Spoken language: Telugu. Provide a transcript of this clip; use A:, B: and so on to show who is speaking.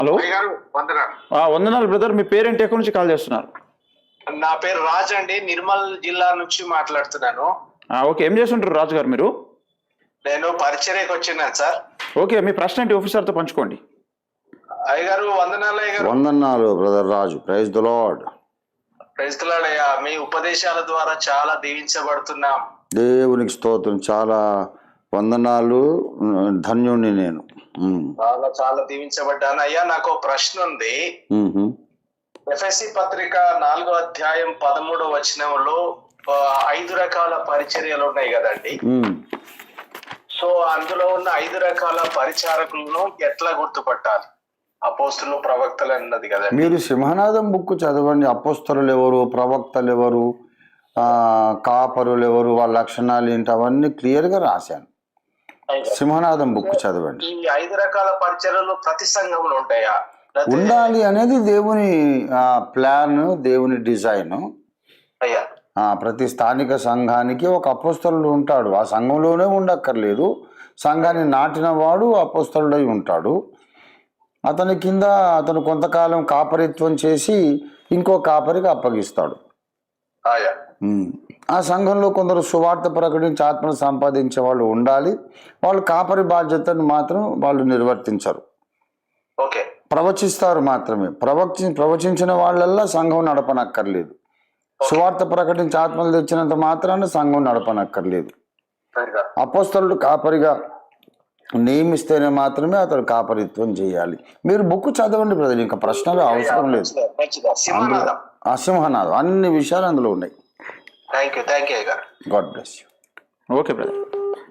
A: హలో.
B: వందనాలు.
A: వందనాలు బ్రదర్. మీ పేరేంటి? ఎక్కడి నుంచి కాల్ చేస్తున్నారు?
B: నా పేరు రాజ్ అండి, నిర్మల్ జిల్లా నుంచి మాట్లాడుతున్నాను.
A: ఓకే. ఏం చేస్తుంటారు రాజు గారు మీరు?
B: నేను పరిచర్యకు వచ్చినాను సార్.
A: ఓకే, మీ ప్రశ్న ఏంటి ఆఫీసర్తో పంచుకోండి.
B: అయ్యగారు వందనాలు. అయ్యగారు
C: వందనాలు brother Raju. Praise the lord.
B: Praise the lord అయ్యా. మీ ఉపదేశాల ద్వారా చాలా దీవించబడుతున్నాం.
C: దేవునికి స్తోత్రం. చాలా వందనాలు. ధన్యుణ్ణి నేను.
B: చాలా చాలా దీవించబడ్డాను అయ్యా. నాకు ఒక ప్రశ్న ఉంది. ఎఫ్ఎస్సి పత్రిక 4వ అధ్యాయం 13వ వచనంలో 5 రకాల పరిచర్యలు ఉన్నాయి కదండి. సో అందులో ఉన్న 5 రకాల పరిచారకులను ఎట్లా గుర్తుపట్టాలి? అపోస్తులు, ప్రవక్తలు అన్నది కదండి.
C: మీరు సింహనాదం బుక్ చదవండి. అపోస్తలులు ఎవరు, ప్రవక్తలు ఎవరు, కాపరులు ఎవరు, వాళ్ళ లక్షణాలు ఏంటి, అవన్నీ క్లియర్ గా రాశాను. సింహనాదం బుక్ చదవండి.
B: ఈ 5 రకాల పరిచర్యలు ప్రతి సంఘంలో ఉంటాయా?
C: ఉండాలి అనేది దేవుని ప్లాన్, దేవుని డిజైన్.
B: అయ్యా,
C: ప్రతి స్థానిక సంఘానికి ఒక అపోస్తలుడు ఉంటాడు. ఆ సంఘంలోనే ఉండక్కర్లేదు. సంఘాన్ని నాటిన వాడు అపోస్తలుడై ఉంటాడు. అతని కింద అతను కొంతకాలం కాపరిత్వం చేసి ఇంకో కాపరికి అప్పగిస్తాడు. ఆ సంఘంలో కొందరు సువార్త ప్రకటించి ఆత్మను సంపాదించే వాళ్ళు ఉండాలి. వాళ్ళు కాపరి బాధ్యతను మాత్రం వాళ్ళు నిర్వర్తించరు.
B: ఓకే.
C: ప్రవచిస్తారు మాత్రమే. ప్రవచించిన వాళ్ళల్లా సంఘం నడపనక్కర్లేదు. సువార్త ప్రకటించి ఆత్మలు తెచ్చినంత మాత్రాన సంఘం నడపనక్కర్లేదు. అపోస్తలుడు కాపరిగా నియమిస్తేనే మాత్రమే అతడు కాపరిత్వం చేయాలి. మీరు బుక్ చదవండి బ్రదర్. ఇంకా ప్రశ్నలు అవసరం లేదు. సింహనాదం అన్ని విషయాలు అందులో ఉన్నాయి.
B: Thank you.
C: God bless you.
A: Okay brother.